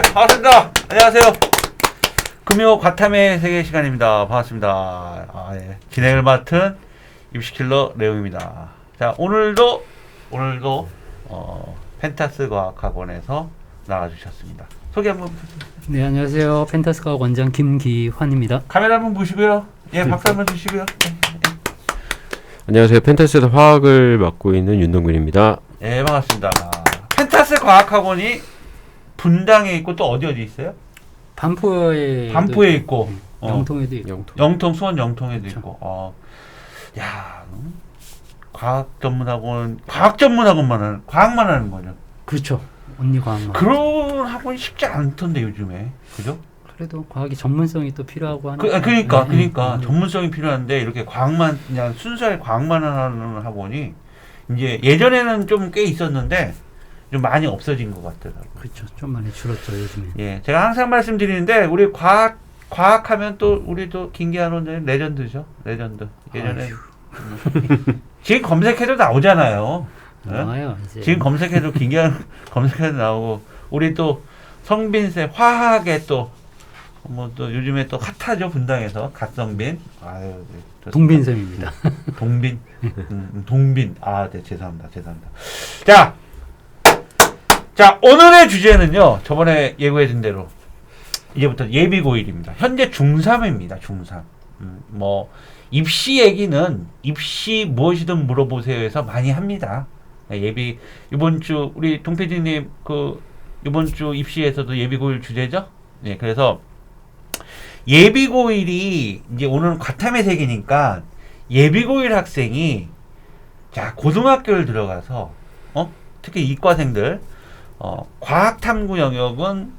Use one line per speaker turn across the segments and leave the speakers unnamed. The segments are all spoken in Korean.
반갑습니다. 안녕하세요. 금요 과탐의 세계 시간입니다. 반갑습니다. 예. 진행을 맡은 입시킬러 레옹입니다. 자, 오늘도 펜타스 과학학원에서 나와주셨습니다. 소개 한번 부탁드립니다.
네, 안녕하세요. 펜타스 과학 원장 김기환입니다.
카메라 한번 보시고요. 예, 박수 한번 주시고요.
안녕하세요. 펜타스에서 화학을 맡고 있는 윤동근입니다.
예, 반갑습니다. 펜타스 과학학원이 분당에 있고 또 어디 있어요?
반포에
있고
영통에도 있고
영통 수원 영통에도
그렇죠.
있고. 야, 과학 전문학원만 하는 과학만 하는 거죠.
그렇죠. 언니 과학만.
그런 학원이 쉽지 않던데 요즘에, 그죠?
그래도 과학이 전문성이 또 필요하고 하니까.
그러니까 전문성이 필요한데 이렇게 과학만 그냥 순수하게 과학만 하는 학원이 이제 예전에는 좀 꽤 있었는데 좀 많이 없어진 것 같더라고요.
그렇죠. 좀 많이 줄었죠 요즘에.
예, 제가 항상 말씀드리는데 우리 과학하면 또 우리도 김기환 원장님 레전드죠. 레전드. 예전에 지금 검색해도 나오잖아요.
나와요 이제.
지금 검색해도 김기환 검색해도 나오고 우리 또 성빈 쌤 화학에 또 뭐 또 요즘에 또 핫하죠 분당에서 갓성빈. 아유,
동빈쌤입니다.
동빈. 동빈. 아, 네, 죄송합니다. 자, 오늘의 주제는요. 저번에 예고해준 대로 이제부터 예비고일입니다. 현재 중3입니다. 중3. 뭐 입시 얘기는 입시 무엇이든 물어보세요에서 많이 합니다. 이번 주 우리 동PD님 이번 주 입시에서도 예비고일 주제죠. 네, 그래서 예비고일이 이제 오늘은 과탐의 세계니까 예비고일 학생이 자 고등학교를 들어가서 특히 이과생들 과학탐구 영역은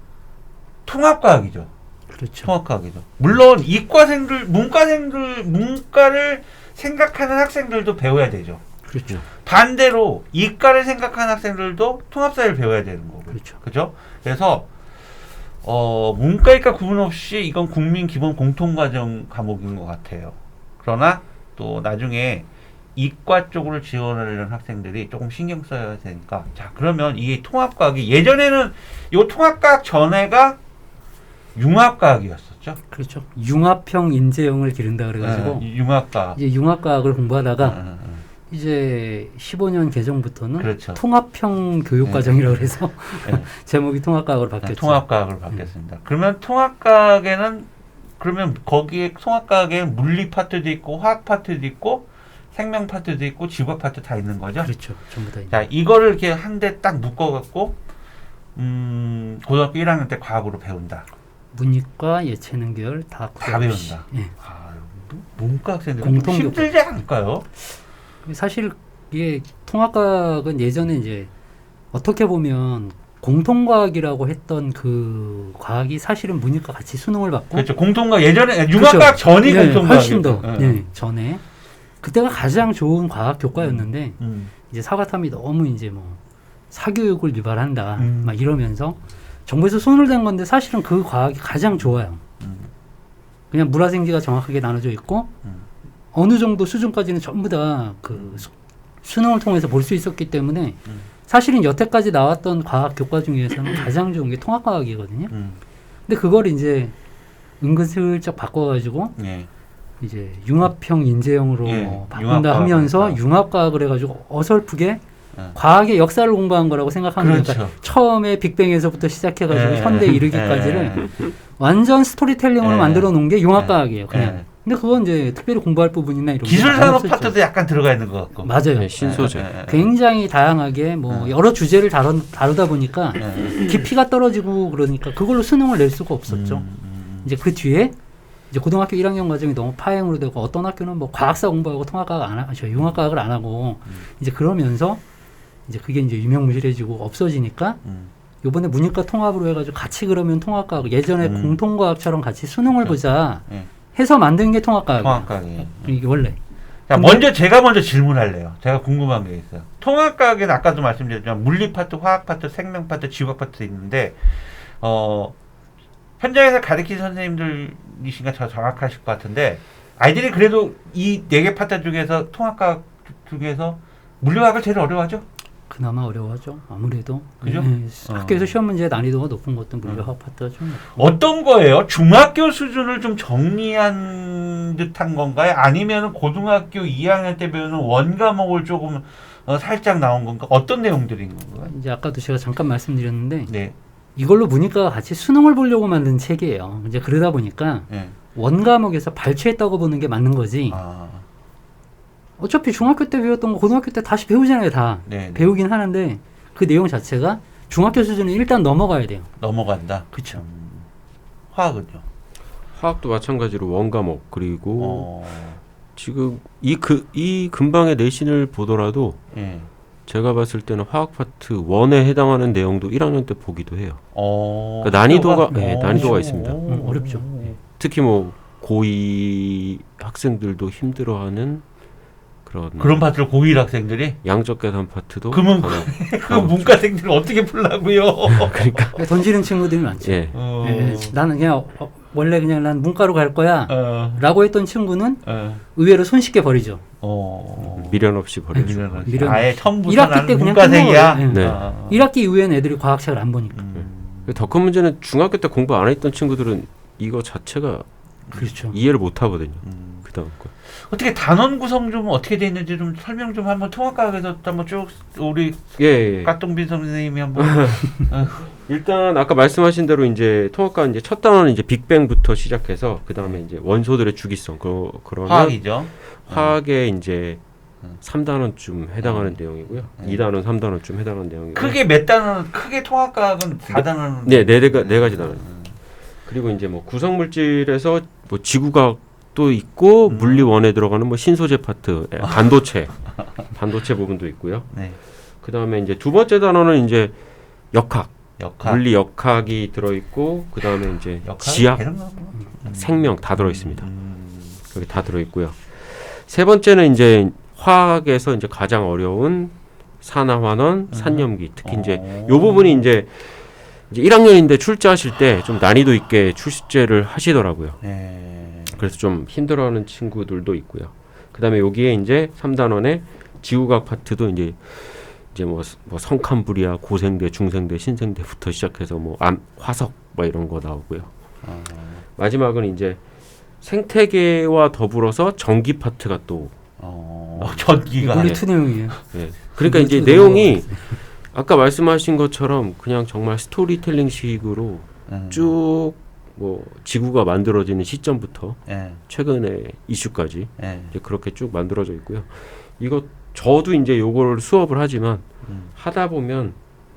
통합과학이죠.
그렇죠.
통합과학이죠. 물론 이과생들, 문과를 생각하는 학생들도 배워야 되죠.
그렇죠.
반대로 이과를 생각하는 학생들도 통합사를 배워야 되는 거고.
그렇죠.
그죠? 그래서 문과, 이과 구분 없이 이건 국민 기본 공통과정 과목인 것 같아요. 그러나 또 나중에 이과 쪽으로 지원하려는 학생들이 조금 신경 써야 되니까. 자, 그러면 이 통합과학이 예전에는 이 통합과학 전에가 융합과학이었었죠.
그렇죠. 융합형 인재형을 기른다 그래가지고
융합과학.
이제 융합과학을 공부하다가 이제 15년 개정부터는
그렇죠.
통합형 교육과정이라고 해서 제목이 통합과학으로 바뀌었죠.
통합과학으로 바뀌었습니다. 그러면 통합과학에는 거기에 통합과학에 물리 파트도 있고 화학 파트도 있고 생명 파트도 있고 지구학 파트 다 있는 거죠.
그렇죠. 전부 다.
자, 이거를 이렇게 한 대 딱 묶어갖고 고등학교 1학년 때 과학으로 배운다.
문이과 예체능 계열 다
배운다.
예.
문과 학생들
공통
힘들지 않을까요?
사실 이게 통합과학은 예전에 이제 어떻게 보면 공통과학이라고 했던 그 과학이 사실은 문이과 같이 수능을 받고
그렇죠. 공통과학 예전에 융합과학
그렇죠.
전이
네,
공통과학
훨씬 더 전에 그때가 가장 좋은 과학 교과였는데 이제 사과탐이 너무 이제 뭐 사교육을 유발한다 막 이러면서 정부에서 손을 댄 건데 사실은 그 과학이 가장 좋아요. 그냥 물화생지가 정확하게 나눠져 있고 어느 정도 수준까지는 전부 다 그 수능을 통해서 볼 수 있었기 때문에 사실은 여태까지 나왔던 과학 교과 중에서는 가장 좋은 게 통합과학이거든요. 근데 그걸 이제 은근슬쩍 바꿔가지고 이제 융합형 인재형으로 바꾼다 하면서 융합과학을 해가지고 어설프게 과학의 역사를 공부한 거라고 생각하면
그렇죠.
그러니까 처음에 빅뱅에서부터 시작해가지고 현대 이르기까지를 완전 스토리텔링으로 만들어 놓은 게 융합과학이에요. 그냥. 근데 그건 이제 특별히 공부할 부분이나 이런
기술산업 파트도 약간 들어가 있는 것 같고.
맞아요.
네, 신소재.
굉장히 다양하게 뭐 여러 주제를 다루다 보니까 깊이가 떨어지고 그러니까 그걸로 수능을 낼 수가 없었죠. 이제 그 뒤에 이제 고등학교 1학년 과정이 너무 파행으로 되고 어떤 학교는 뭐 과학사 공부하고 융합과학을 안 하고 이제 그러면서 이제 그게 이제 유명무실해지고 없어지니까 요번에 문이과 통합으로 해가지고 같이 그러면 통합과학 예전에 공통과학처럼 같이 수능을 보자 해서 만든 게 통합과학이에요.
통합과학이에요.
이게 원래.
자, 제가 먼저 질문할래요. 제가 궁금한 게 있어요. 통합과학에는 아까도 말씀드렸지만 물리 파트, 화학 파트, 생명 파트, 지구학 파트 있는데 현장에서 가르치는 선생님들이신가 더 정확하실 것 같은데 아이들이 그래도 이 4개 파트 중에서 통합과학 중에서 물리화학을 제일 어려워하죠?
그나마 어려워하죠. 아무래도
그죠?
학교에서 시험 문제 난이도가 높은 것도 물리화학 파트가 좀 높고.
어떤 거예요? 중학교 수준을 좀 정리한 듯한 건가요? 아니면 고등학교 2학년 때 배우는 원과목을 조금 살짝 나온 건가? 어떤 내용들인 건가요?
이제 아까도 제가 잠깐 말씀드렸는데
네.
이걸로 문이과가 같이 수능을 보려고 만든 책이에요. 이제 그러다 보니까
네.
원과목에서 발췌했다고 보는 게 맞는 거지.
아,
어차피 중학교 때 배웠던 거 고등학교 때 다시 배우잖아요. 다
네.
배우긴 하는데 그 내용 자체가 중학교 수준은 일단 넘어가야 돼요.
넘어간다.
그렇죠.
화학은요?
화학도 마찬가지로 원과목 그리고
어,
지금 이 근방의 내신을 보더라도
예.
제가 봤을 때는 화학 파트 1에 해당하는 내용도 1학년 때 보기도 해요.
그러니까
난이도가 난이도가 있습니다.
어렵죠.
특히 뭐 고2 학생들도 힘들어하는
그런 파트를 고1 학생들이?
양적 계산 파트도
그러면 그 문과생들을 어떻게 풀라고요?
그러니까
던지는 친구들이 많죠.
예.
예, 나는 그냥 원래 그냥 난 문과로 갈 거야 라고 했던 친구는 의외로 손쉽게 버리죠.
미련 없이 버리죠.
미련.
아예 처음부터
1학기
나는
때 그냥
문과생이야?
끝내버려요.
네.
1학기 이후에는 애들이 과학책을 안 보니까.
더 큰 문제는 중학교 때 공부 안 했던 친구들은 이거 자체가
그렇죠.
이해를 못 하거든요. 그 다음 거.
어떻게 단원 구성 좀 어떻게 돼 있는지 좀 설명 좀 한번 통합과학에서 한번 쭉 우리
예.
깍동빈 선생님이 한번
일단 아까 말씀하신 대로 이제 통합과 이제 첫 단원은 이제 빅뱅부터 시작해서 그 다음에 이제 원소들의 주기성 그러면
화학이죠.
화학에 이제 3단원쯤 해당하는 내용이고요. 2단원, 3단원쯤 해당하는 내용이고요.
크게 몇 단원? 크게 통합과학은 4단원.
네 가지 단원. 그리고 이제 뭐 구성 물질에서 뭐 지구과학도 있고 물리 1에 들어가는 뭐 신소재 파트, 반도체 부분도 있고요.
네.
그 다음에 이제 두 번째 단원은 이제 역학. 물리 역학이 들어있고 그 다음에 이제 지학, 생명 다 들어있습니다. 여기 다 들어있고요. 세 번째는 이제 화학에서 이제 가장 어려운 산화환원, 산염기 특히 이제 요 부분이 이제 1학년인데 출제하실 때 좀 난이도 있게 출제를 하시더라고요.
네.
그래서 좀 힘들어하는 친구들도 있고요. 그 다음에 여기에 이제 3단원에 지구과학 파트도 이제 뭐 성칸불이야, 고생대, 중생대, 신생대부터 시작해서 뭐 화석 뭐 이런 거 나오고요. 마지막은 이제 생태계와 더불어서 전기 파트가 또
전기가
물리 투 내용이에요.
네. 그러니까 이제 내용이 아까 말씀하신 것처럼 그냥 정말 스토리텔링식으로 쭉 뭐 지구가 만들어지는 시점부터 최근의 이슈까지 이제 그렇게 쭉 만들어져 있고요. 이거 저도 이제 요걸 수업을 하지만 하다 보면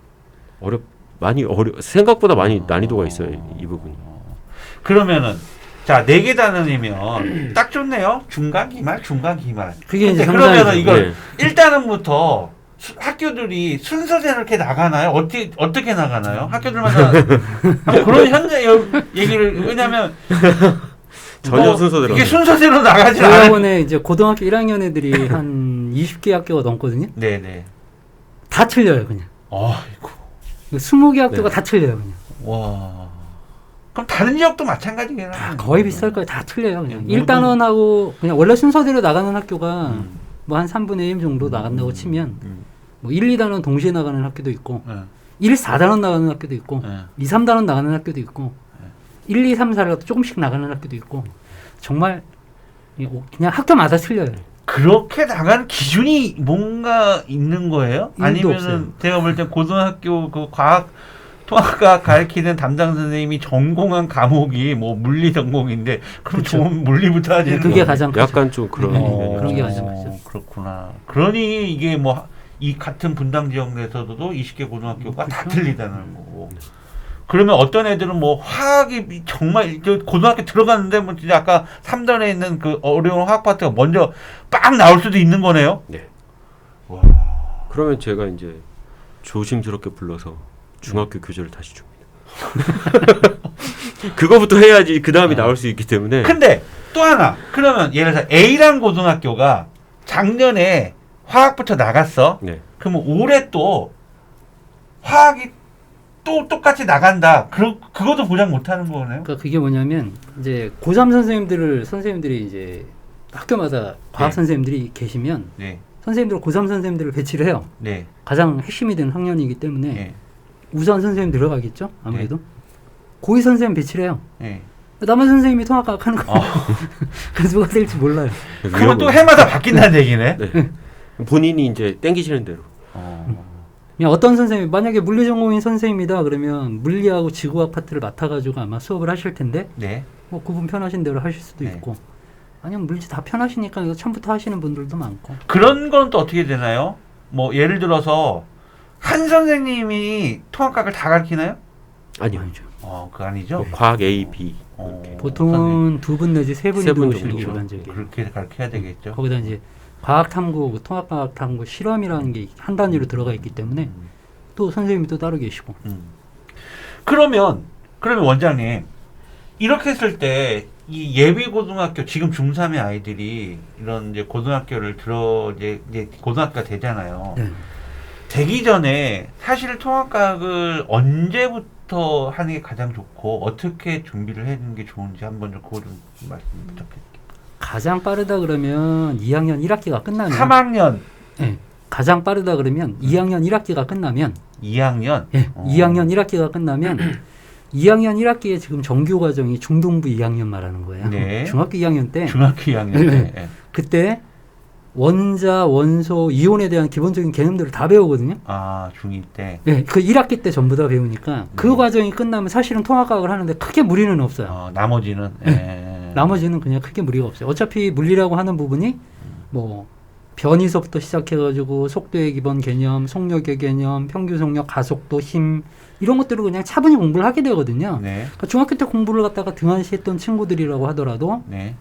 생각보다 많이 난이도가 있어요. 이 부분이.
그러면은 자, 4개 단원이면 딱 좋네요. 중간, 기말.
그게 이제
그러면은 이걸 1단원부터 학교들이 순서대로 이렇게 나가나요? 어떻게 나가나요? 학교들마다 그런 현재 얘기를 왜냐면
전혀 순서대로
이게 순서대로 나가지 않아요.
대학원에 이제 고등학교 1학년 애들이 한 20개 학교가 넘거든요.
네네.
다 틀려요, 그냥.
아이고.
20개 학교가 다 틀려요, 그냥.
와. 그럼 다른 지역도 마찬가지겠네요.
다 거의 비슷할 거예요. 다 틀려요, 그냥. 1단원하고 그냥 원래 순서대로 나가는 학교가 뭐 한 3분의 1 정도 나간다고 치면 뭐 1, 2단원 동시에 나가는 학교도 있고 1, 4단원 나가는 학교도 있고 2, 3단원 나가는 학교도 있고 1, 2, 3, 4가 조금씩 나가는 학교도 있고 정말 그냥 학교마다 틀려요.
그렇게 나가는 기준이 뭔가 있는 거예요? 아니면은
없어요.
제가 볼 때 고등학교 그 과학 통합과학 가르치는 담당 선생님이 전공한 과목이 뭐 물리 전공인데 그럼
그쵸.
좋은 물리부터 하지.
그게 가장 크죠.
약간 좀 그런
그런 게 가장 크죠.
그렇구나. 그러니 이게 뭐 이 같은 분당 지역 내에서도 20개 고등학교가 다 틀리다는 거고. 그러면 어떤 애들은 뭐 화학이 정말 고등학교 들어갔는데 뭐 진짜 아까 3단에 있는 그 어려운 화학 파트가 먼저 빵 나올 수도 있는 거네요.
네.
와.
그러면 제가 이제 조심스럽게 불러서 중학교 교재를 다시 줍니다. 그거부터 해야지 그 다음이 나올 수 있기 때문에.
근데 또 하나. 그러면 예를 들어서 A라는 고등학교가 작년에 화학부터 나갔어.
네.
그러면 올해 또 화학이 또 똑같이 나간다. 그것도 보장 못하는 거네요.
그러니까 그게 뭐냐면 이제 고3 선생님들이 이제 학교마다 과학 선생님들이 계시면 선생님들 고3 선생님들을 배치를 해요.
네.
가장 핵심이 되는 학년이기 때문에
네.
우선 선생님 들어가겠죠. 아무래도 고2 선생님 배치를 해요.
네.
남한 선생님이 통합과학 하는 거예요. 그래서 뭐가 될지 몰라요.
그건 또 해마다 바뀐다는 얘기네.
네. 본인이 이제 땡기시는 대로.
그냥 어떤 선생님 만약에 물리 전공인 선생님이다 그러면 물리하고 지구학 파트를 맡아가지고 아마 수업을 하실 텐데
네.
뭐 그분 편하신 대로 하실 수도
네.
있고 아니면 물리 다 편하시니까 이거 처음부터 하시는 분들도 많고
그런 건 또 어떻게 되나요? 뭐 예를 들어서 한 선생님이 통합과학을 다 가르치나요?
아니요.
아니죠.
그거 아니죠.
뭐 과학 A, B.
보통은 2분 내지 3분이
세 분
들어오시는 게
정도.
일반적이에요.
그렇게 가르쳐야 되겠죠.
거기다 이제 과학탐구, 통합과학탐구 실험이라는 게 한 단위로 들어가 있기 때문에 또 선생님이 또 따로 계시고.
그러면 원장님 이렇게 했을 때 이 예비 고등학교 지금 중3의 아이들이 이런 이제 고등학교를 이제 고등학교가 되잖아요.
네.
되기 전에 사실 통합과학을 언제부터 하는 게 가장 좋고 어떻게 준비를 해주는 게 좋은지 한번 좀 그거 좀 말씀 부탁드릴게요.
가장 빠르다 그러면 2학년 1학기가 끝나면
3학년.
네. 가장 빠르다 그러면 2학년 1학기가 끝나면
2학년?
예, 2학년 1학기가 끝나면 2학년 1학기에 지금 정규 과정이 중등부 2학년 말하는 거예요.
네.
중학교 2학년 때
중학교 2학년 때.
네.
네.
그때 원자, 원소, 이온에 대한 기본적인 개념들을 다 배우거든요.
아, 중2 때.
네, 그 1학기 때 전부 다 배우니까 그 과정이 끝나면 사실은 통합과학을 하는데 크게 무리는 없어요.
나머지는.
네. 나머지는 그냥 크게 무리가 없어요. 어차피 물리라고 하는 부분이 뭐 변이서부터 시작해가지고 속도의 기본 개념, 속력의 개념, 평균 속력, 가속도, 힘 이런 것들을 그냥 차분히 공부를 하게 되거든요.
네.
그러니까 중학교 때 공부를 갖다가 등한시했던 친구들이라고 하더라도
네.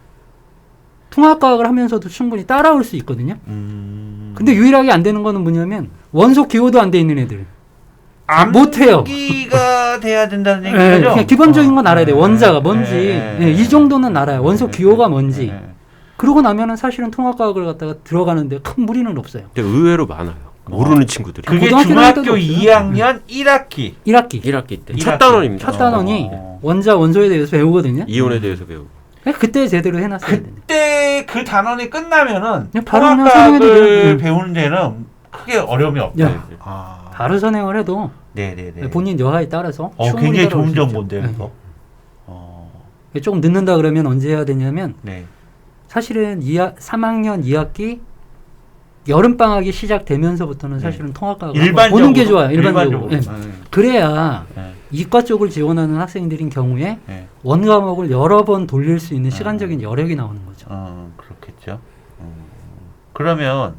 통합과학을 하면서도 충분히 따라올 수 있거든요. 근데 유일하게 안 되는 거는 뭐냐면 원소 기호도 안 돼 있는 애들. 못해요.
암기가 돼야 된다는 얘기죠?
네, 그냥 기본적인 건 알아야 돼. 원자가 뭔지. 이 정도는 알아요. 원소 기호가 뭔지. 그러고 나면은 사실은 통합과학을 갖다가 들어가는데 큰 무리는 없어요.
근데 의외로 많아요. 모르는 친구들이.
그게 중학교 2학년 1학기.
1학기 때.
1학기.
첫 단원입니다.
첫 단원이 원자, 원소에 대해서 배우거든요.
이온에 대해서 배우고.
그때 제대로 해놨어야 되는데.
그때 그 단원이 끝나면은
바로 그냥
통합과학을
선행해도
배우는 데는 크게 어려움이 없다.
야. 바로 선행을 해도
네네네.
본인 여하에 따라서 충분히
굉장히
따라올
좋은
수 있죠.
정보인데요. 이거.
조금 늦는다 그러면 언제 해야 되냐면
네.
사실은 3학년 2학기 여름방학이 시작되면서부터는 사실은 통합과학을 보는 게 좋아요. 일반적으로. 네. 그래야 이과 쪽을 지원하는 학생들인 경우에 원과목을 여러 번 돌릴 수 있는 시간적인 여력이 나오는 거죠.
그렇겠죠. 그러면은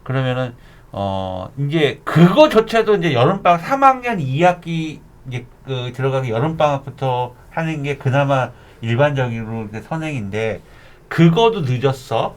이제 그거조차도 이제 여름방학 3학년 2학기 이제 그 들어가기 여름방학부터 하는 게 그나마 일반적으로 선행인데 그거도 늦었어.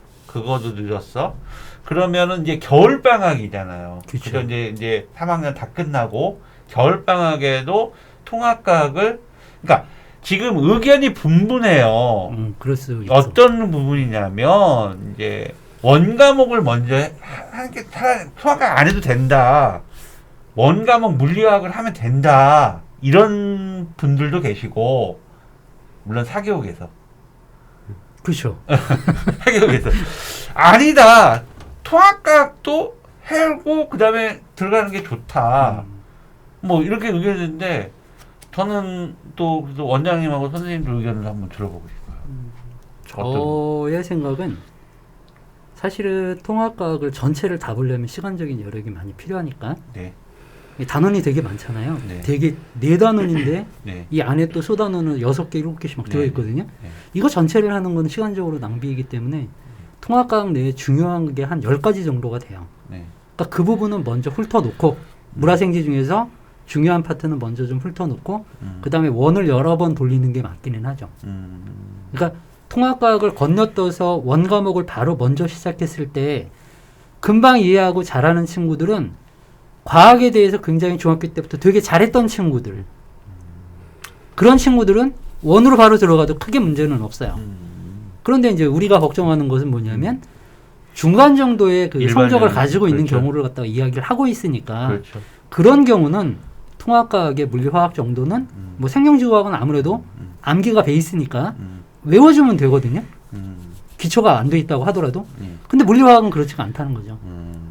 그러면은 이제 겨울방학이잖아요.
그쵸.
그래서 이제 3학년 다 끝나고 겨울방학에도 통합과학을 그러니까 지금 의견이 분분해요.
그럴 수 있어.
어떤 부분이냐면 이제 원과목을 먼저 하는 게 통합과학 안 해도 된다. 원과목 물리학을 하면 된다. 이런 분들도 계시고 물론 사교육에서
그렇죠.
사교육에서 아니다. 통합과학도 해고 그다음에 들어가는 게 좋다. 뭐 이렇게 의견인데 저는 또 그래서 원장님하고 선생님들 의견을 한번 들어보고 싶어요.
저의 생각은 사실은 통합과학을 전체를 다 보려면 시간적인 여력이 많이 필요하니까
네.
단원이 되게 많잖아요.
네.
되게 4단원인데
네.
이 안에 또 소단원은 6개, 7개씩 막 들어있거든요.
네.
이거 전체를 하는 건 시간적으로 낭비이기 때문에 통합과학 내에 중요한 게 한 10가지 정도가 돼요.
네.
그러니까 그 부분은 먼저 훑어놓고 물화생지 중에서 중요한 파트는 먼저 좀 훑어놓고 그 다음에 원을 여러 번 돌리는 게 맞기는 하죠. 그러니까 통합과학을 건너떠서 원과목을 바로 먼저 시작했을 때 금방 이해하고 잘하는 친구들은 과학에 대해서 굉장히 중학교 때부터 되게 잘했던 친구들 그런 친구들은 원으로 바로 들어가도 크게 문제는 없어요. 그런데 이제 우리가 걱정하는 것은 뭐냐면 중간 정도의 그 성적을 가지고 있는
그렇죠.
경우를 갖다가 이야기를 하고 있으니까
그렇죠.
그런 경우는 통합과학의 물리화학 정도는 뭐 생명지구학은 아무래도 암기가 베이스니까 외워주면 되거든요. 기초가 안 돼 있다고 하더라도. 근데 물리화학은 그렇지가 않다는 거죠.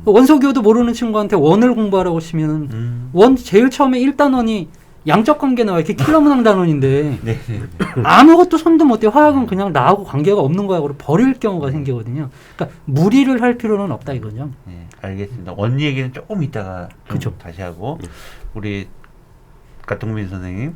원소교도 모르는 친구한테 원을 공부하라고 치면은 원 제일 처음에 1단원이 양적 관계 나와 이렇게 킬러문항 단원인데
네.
아무것도 손도 못 대. 화학은 그냥 나하고 관계가 없는 거야. 그리고 버릴 경우가 생기거든요. 그러니까 무리를 할 필요는 없다 이거죠.
네, 알겠습니다. 원 얘기는 조금 이따가 좀
그쵸.
다시 하고 우리 가동민 선생님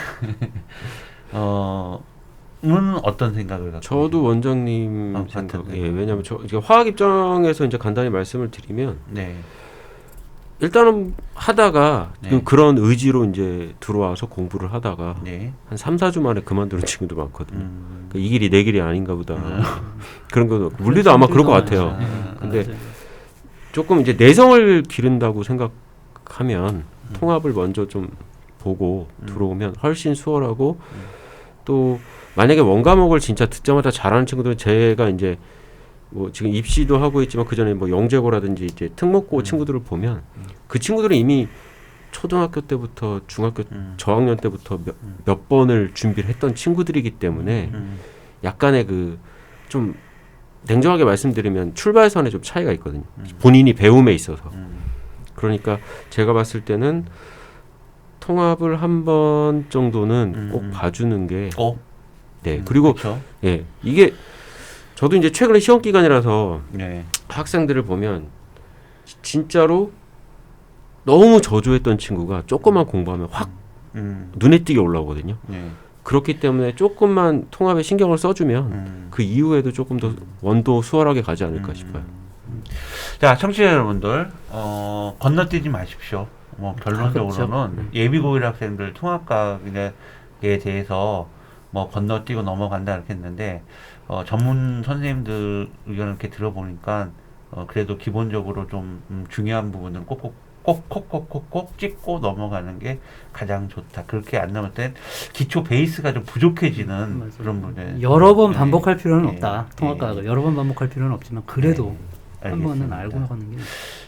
는 어떤 생각을 갖고
저도 원장님
같은
생각. 예, 왜냐하면 저 이제 화학 입장에서 이제 간단히 말씀을 드리면
네.
일단은 하다가
네.
그런 의지로 이제 들어와서 공부를 하다가
네.
한 3, 4주 만에 그만두는 친구도 많거든요. 그러니까 이 길이 내 길이 아닌가 보다. 그런 거 물리도 아마 그럴 것 같아요. 근데 조금 이제 내성을 기른다고 생각하면 통합을 먼저 좀 보고 들어오면 훨씬 수월하고 또 만약에 원과목을 진짜 듣자마자 잘하는 친구들은 제가 이제 뭐 지금 입시도 하고 있지만 그 전에 뭐 영재고라든지 이제 특목고 친구들을 보면 그 친구들은 이미 초등학교 때부터 중학교 저학년 때부터 몇 번을 준비를 했던 친구들이기 때문에 약간의 그 좀 냉정하게 말씀드리면 출발선에 좀 차이가 있거든요. 본인이 배움에 있어서. 그러니까 제가 봤을 때는 통합을 한 번 정도는 꼭 봐주는 게 네. 그리고
그렇죠.
예. 이게 저도 이제 최근에 시험 기간이라서
네.
학생들을 보면 진짜로 너무 저조했던 친구가 조금만 공부하면 확 눈에 띄게 올라오거든요.
네.
그렇기 때문에 조금만 통합에 신경을 써주면 그 이후에도 조금 더 원도 수월하게 가지 않을까 싶어요.
자, 청취자 여러분들 건너뛰지 마십시오. 뭐 결론적으로는
그렇죠.
예비고일 학생들 통합과학에 대해서 뭐 건너뛰고 넘어간다 이렇게 했는데 전문 선생님들 의견을 이렇게 들어보니까 그래도 기본적으로 좀 중요한 부분은 꼭 찍고 넘어가는 게 가장 좋다. 그렇게 안 넘을 땐 기초 베이스가 좀 부족해지는
맞아요.
그런 부분.
여러 번 반복할 필요는
네.
없다.
네.
통합과학을 여러 번 반복할 필요는 없지만 그래도
네.
한 번은
알겠습니다.
알고 나가는 게